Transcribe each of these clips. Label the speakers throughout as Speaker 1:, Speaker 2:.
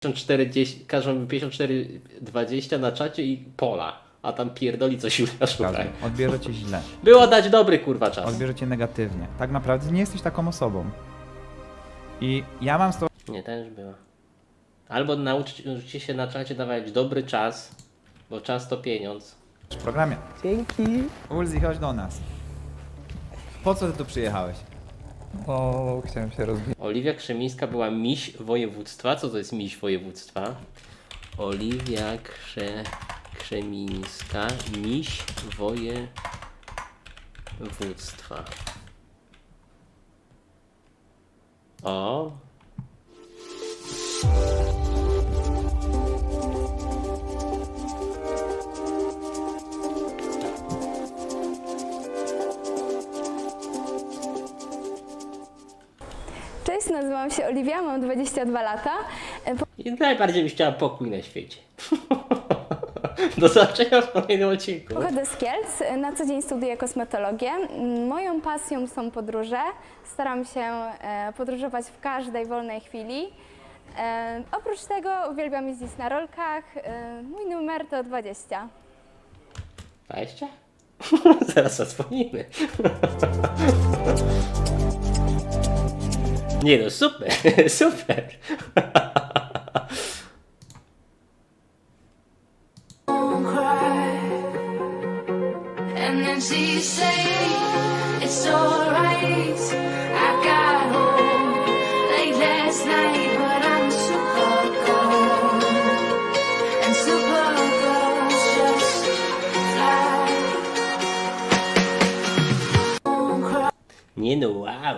Speaker 1: Każą mi 54,20 na czacie i pola, a tam pierdoli coś Julia Szukaj.
Speaker 2: Odbierze cię źle.
Speaker 1: Było dać dobry kurwa czas.
Speaker 2: Odbierze cię negatywnie. Tak naprawdę nie jesteś taką osobą. I ja mam z tobą
Speaker 1: Nie, też była. Albo nauczycie się na czacie dawać dobry czas, bo czas to pieniądz.
Speaker 2: w programie.
Speaker 3: Dzięki.
Speaker 2: Ulzi, chodź do nas. Po co ty tu przyjechałeś?
Speaker 3: O, chciałem się rozwijać.
Speaker 1: Oliwia Krzemińska była miś województwa. Co to jest miś województwa? Oliwia Krzemińska, miś województwa. O!
Speaker 4: Cześć, nazywam się Oliwia, mam 22 lata.
Speaker 1: I najbardziej byś chciała pokój na świecie. Do zobaczenia w kolejnym odcinku.
Speaker 4: Pochodzę z Kielc, na co dzień studiuję kosmetologię. Moją pasją są podróże. Staram się podróżować w każdej wolnej chwili. Oprócz tego uwielbiam jeździć na rolkach. Mój numer to 20.
Speaker 1: 20? Zaraz zadzwonimy. Nie no, super, super.
Speaker 5: And then she say it's alright. I got home late last night, but I'm Supergirl, and Supergirls just fly.
Speaker 1: Nie no, wow,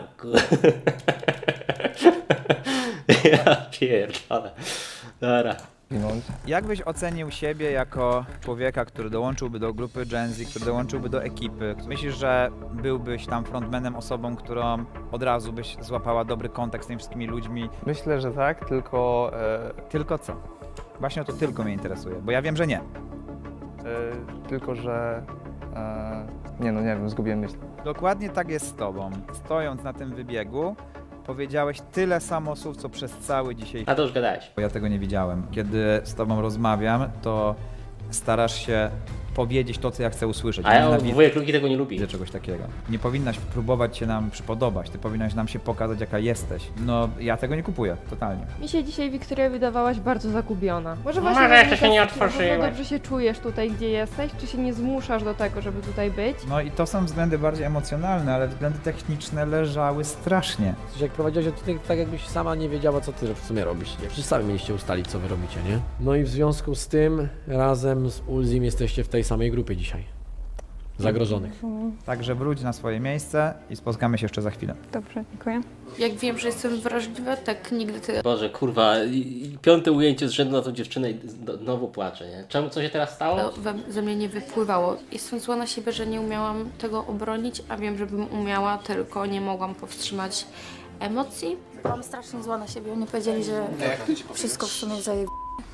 Speaker 1: Ja pierdolę. Dobra.
Speaker 2: Jak byś ocenił siebie jako człowieka, który dołączyłby do grupy Gen Z, który dołączyłby do ekipy? Myślisz, że byłbyś tam frontmanem, osobą, którą od razu byś złapała dobry kontakt z tymi wszystkimi ludźmi?
Speaker 3: Myślę, że tak, tylko
Speaker 2: Tylko co? Właśnie o to tylko mnie interesuje, bo ja wiem, że nie.
Speaker 3: tylko że nie no, nie wiem, zgubiłem myśl.
Speaker 2: Dokładnie tak jest z tobą. Stojąc na tym wybiegu, powiedziałeś tyle samo słów, co przez cały dzisiaj.
Speaker 1: A to już gadałeś.
Speaker 2: Bo ja tego nie widziałem. Kiedy z tobą rozmawiam, to starasz się powiedzieć to, co ja chcę usłyszeć.
Speaker 1: A ja
Speaker 2: Nienawidzę
Speaker 1: wujek Luki tego nie lubi.
Speaker 2: czegoś takiego. Nie powinnaś próbować się nam przypodobać, ty powinnaś nam się pokazać, jaka jesteś. No, ja tego nie kupuję, totalnie.
Speaker 6: Mi się dzisiaj, Wiktoria, wydawałaś bardzo zagubiona. Może
Speaker 1: Może
Speaker 6: właśnie
Speaker 1: jeszcze się nie
Speaker 6: na pewno
Speaker 1: otworzyłaś.
Speaker 6: dobrze się czujesz tutaj, gdzie jesteś? Czy się nie zmuszasz do tego, żeby tutaj być?
Speaker 2: No i to są względy bardziej emocjonalne, ale względy techniczne leżały strasznie.
Speaker 7: Jak prowadziłaś odcinek, tak jakbyś sama nie wiedziała, co ty w sumie robisz. Nie? Przecież sami mieliście ustalić, co wy robicie, nie? No i w związku z tym razem z Ulzim jesteście w tej samej grupie dzisiaj. Zagrożonych.
Speaker 2: Także wróć na swoje miejsce i spotkamy się jeszcze za chwilę.
Speaker 4: Dobrze, dziękuję.
Speaker 8: Jak wiem, że jestem wrażliwa, tak nigdy tyle
Speaker 1: Boże, kurwa, piąte ujęcie z rzędu na tą dziewczynę i znowu płaczę, nie? Czemu, co się teraz stało?
Speaker 8: ze mnie nie wypływało. Jestem zła na siebie, że nie umiałam tego obronić, a wiem, że bym umiała, tylko nie mogłam powstrzymać emocji.
Speaker 9: Byłam strasznie zła na siebie. Oni powiedzieli, że wszystko w sumie zaje...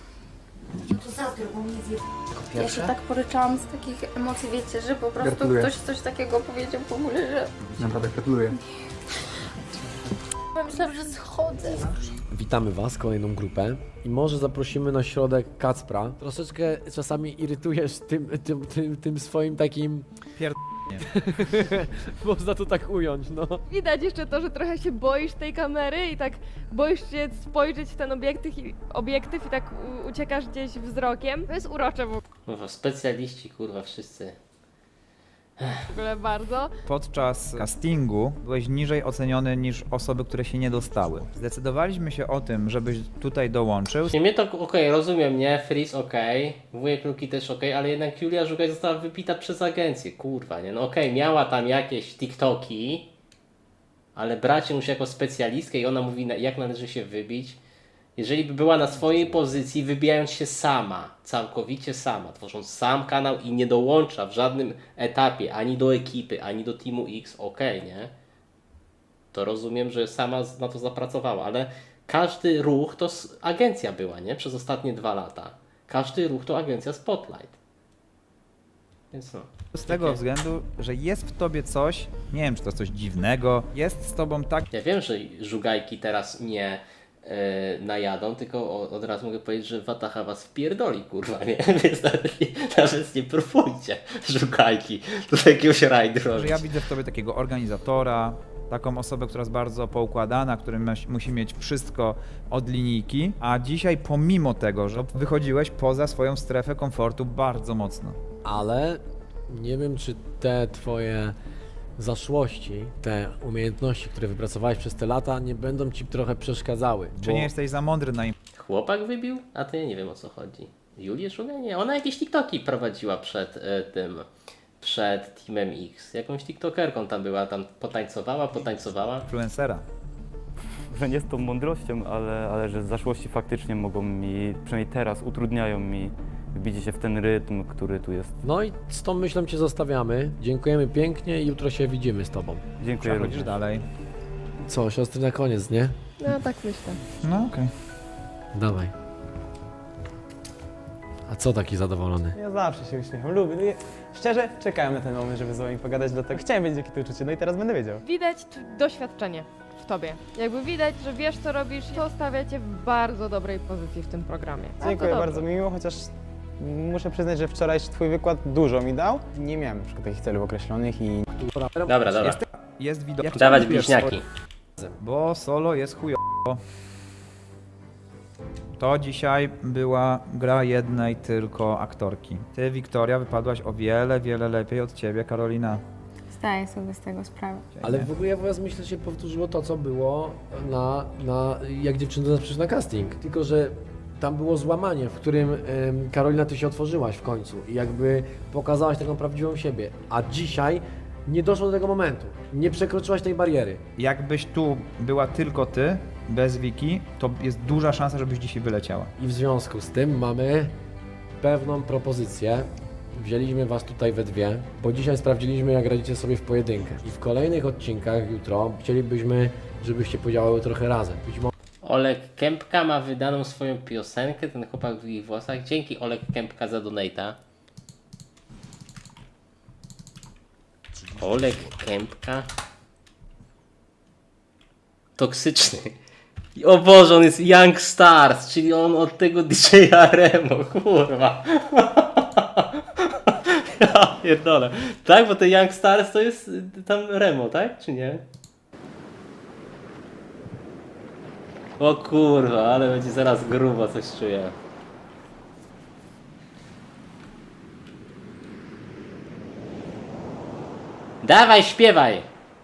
Speaker 8: Ja się tak poryczałam z takich emocji, wiecie, że po prostu
Speaker 3: Gratuluję.
Speaker 8: ktoś coś takiego powiedział w ogóle, że
Speaker 3: Naprawdę gratuluję.
Speaker 8: myślałam, że schodzę.
Speaker 7: Witamy was, kolejną grupę. I może zaprosimy na środek Kacpra. Troszeczkę czasami irytujesz tym swoim takim...
Speaker 2: Pierd-
Speaker 7: Można to tak ująć, no.
Speaker 6: Widać jeszcze to, że trochę się boisz tej kamery i tak boisz się spojrzeć w ten obiektyw i tak uciekasz gdzieś wzrokiem. To jest urocze w
Speaker 1: Kurwa, specjaliści, kurwa, wszyscy.
Speaker 6: ogóle bardzo.
Speaker 2: Podczas castingu byłeś niżej oceniony niż osoby, które się nie dostały. Zdecydowaliśmy się o tym, żebyś tutaj dołączył.
Speaker 1: Nie, mnie to okej, rozumiem, nie? Freeze okej, wujek Luki też okej, ale jednak Julia Żugaj została wypita przez agencję, kurwa, nie? No okej, miała tam jakieś TikToki, ale brać ją już jako specjalistkę i ona mówi, jak należy się wybić. Jeżeli by była na swojej pozycji, wybijając się sama, całkowicie sama, tworząc sam kanał i nie dołącza w żadnym etapie ani do ekipy, ani do Teamu X, okej, nie? To rozumiem, że sama na to zapracowała, ale każdy ruch to agencja była, nie? Przez ostatnie 2 lata. Każdy ruch to agencja Spotlight. Więc no.
Speaker 2: Z tego względu, że jest w tobie coś, nie wiem czy to coś dziwnego, jest z tobą tak
Speaker 1: Ja wiem, że Żugajki teraz nie najadą, tylko od razu mogę powiedzieć, że Wataha was wpierdoli, kurwa, nie? Więc nawet nie próbujcie, szukajki, do jakiegoś rajdu
Speaker 2: Że
Speaker 1: robić.
Speaker 2: ja widzę w tobie takiego organizatora, taką osobę, która jest bardzo poukładana, który musi mieć wszystko od linijki, a dzisiaj pomimo tego, że wychodziłeś poza swoją strefę komfortu bardzo mocno.
Speaker 7: Ale nie wiem, czy te twoje zaszłości, te umiejętności, które wypracowałeś przez te lata, nie będą ci trochę przeszkadzały.
Speaker 2: Czy nie jesteś za mądry na
Speaker 1: Chłopak wybił? A to ja nie wiem, o co chodzi. Julię Szugę? Nie, ona jakieś TikToki prowadziła przed Teamem X. Jakąś TikTokerką tam była, tam potańcowała.
Speaker 2: influencera?
Speaker 10: Że nie z tą mądrością, ale że zaszłości faktycznie mogą mi, przynajmniej teraz utrudniają mi wbicie się w ten rytm, który tu jest.
Speaker 7: No i z tą myślą cię zostawiamy. Dziękujemy pięknie i jutro się widzimy z tobą.
Speaker 10: Dziękuję
Speaker 2: Przechodzisz
Speaker 10: również.
Speaker 2: dalej.
Speaker 7: Co, siostry na koniec, nie?
Speaker 6: No tak myślę.
Speaker 2: No okej.
Speaker 7: Dawaj. A co taki zadowolony?
Speaker 11: Ja zawsze się uśmiecham, lubię. No szczerze, czekałem na ten moment, żeby z wami pogadać, dlatego chciałem wiedzieć, jakie to uczucie, no i teraz będę wiedział.
Speaker 6: Widać doświadczenie w tobie. Jakby widać, że wiesz co robisz, to stawia cię w bardzo dobrej pozycji w tym programie.
Speaker 11: Dziękuję
Speaker 6: dobrze.
Speaker 11: bardzo mi miło, chociaż muszę przyznać, że wczorajszy twój wykład dużo mi dał. Nie miałem na przykład takich celów określonych i
Speaker 1: Dobra.
Speaker 2: Jest widok.
Speaker 1: Dawać bliźniaki.
Speaker 2: Bo solo jest chujowo. To dzisiaj była gra jednej tylko aktorki. Ty, Wiktoria, wypadłaś o wiele lepiej od ciebie, Karolina.
Speaker 9: Zdaję sobie z tego sprawę.
Speaker 7: Ale w ogóle ja was myślę, że się powtórzyło to, co było jak dziewczyny do nas przyszły na casting. Tylko, że tam było złamanie, w którym Karolina, ty się otworzyłaś w końcu i jakby pokazałaś taką prawdziwą siebie. A dzisiaj nie doszło do tego momentu. Nie przekroczyłaś tej bariery.
Speaker 2: Jakbyś tu była tylko ty, bez Wiki, to jest duża szansa, żebyś dzisiaj wyleciała.
Speaker 7: I w związku z tym mamy pewną propozycję. Wzięliśmy was tutaj we dwie, bo dzisiaj sprawdziliśmy, jak radzicie sobie w pojedynkę. I w kolejnych odcinkach jutro chcielibyśmy, żebyście podziałały trochę razem. Być może
Speaker 1: Olek Kępka ma wydaną swoją piosenkę, ten chłopak w długich włosach. Dzięki Olek Kępka za donate'a. Olek Kępka. Toksyczny. I o Boże, on jest Young Stars, czyli on od tego DJ-a Remo, kurwa. Ja pierdolę. Tak, bo te Young Stars to jest tam Remo, tak? Czy nie? O kurwa, ale będzie zaraz grubo, coś czuję. Dawaj, śpiewaj!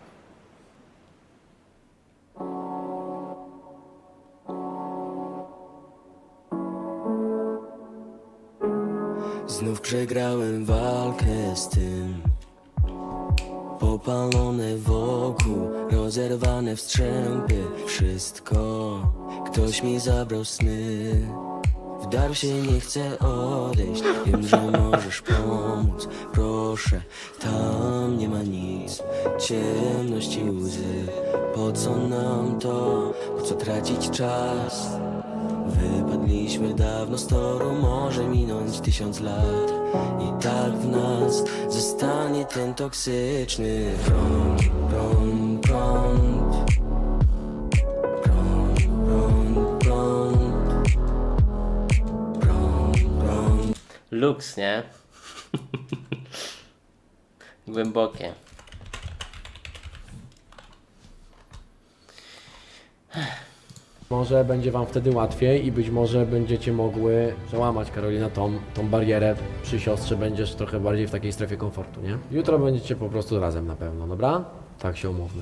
Speaker 12: Znów przegrałem walkę z tym. Popalone wokół, rozerwane wstrzępy. Wszystko, ktoś mi zabrał sny. Wdarł się, nie chcę odejść. Wiem, że możesz pomóc. Proszę, tam nie ma nic. Ciemność i łzy. Po co nam to? Po co tracić czas? Wypadliśmy dawno z toru, może minąć 1000 lat. I tak w nas zostanie ten toksyczny prąd, prąd, prąd. Prąd, prąd, prąd. Prąd, prąd.
Speaker 1: Luks, nie? Głębokie.
Speaker 7: może będzie wam wtedy łatwiej i być może będziecie mogły przełamać, Karolina, tą barierę. Przy siostrze będziesz trochę bardziej w takiej strefie komfortu, nie? Jutro będziecie po prostu razem na pewno, dobra? Tak się umówmy.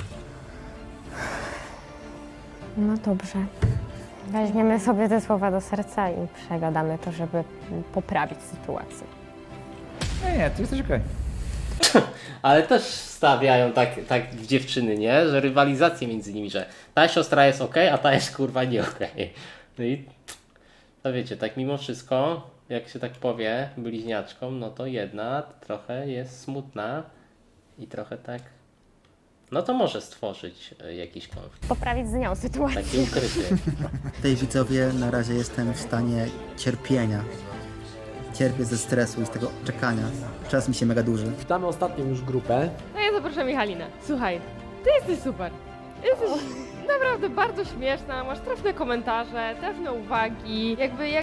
Speaker 13: No dobrze. Weźmiemy sobie te słowa do serca i przegadamy to, żeby poprawić sytuację.
Speaker 2: Nie, ty jesteś okej.
Speaker 1: Ale też stawiają tak w dziewczyny, nie? Że rywalizację między nimi, że ta siostra jest okej, a ta jest kurwa nie okej. No i to wiecie, tak mimo wszystko, jak się tak powie bliźniaczkom, no to jedna trochę jest smutna i trochę tak, no to może stworzyć jakiś konflikt.
Speaker 13: Poprawić z nią sytuację.
Speaker 1: Taki ukryty.
Speaker 14: Tej widzowie na razie jestem w stanie cierpienia. Cierpię ze stresu i z tego czekania. Czas mi się mega duży.
Speaker 7: Witamy ostatnią już grupę.
Speaker 6: No ja zapraszam Michalinę. Słuchaj, ty jesteś super. Jesteś naprawdę bardzo śmieszna, masz trafne komentarze, trafne uwagi, jakby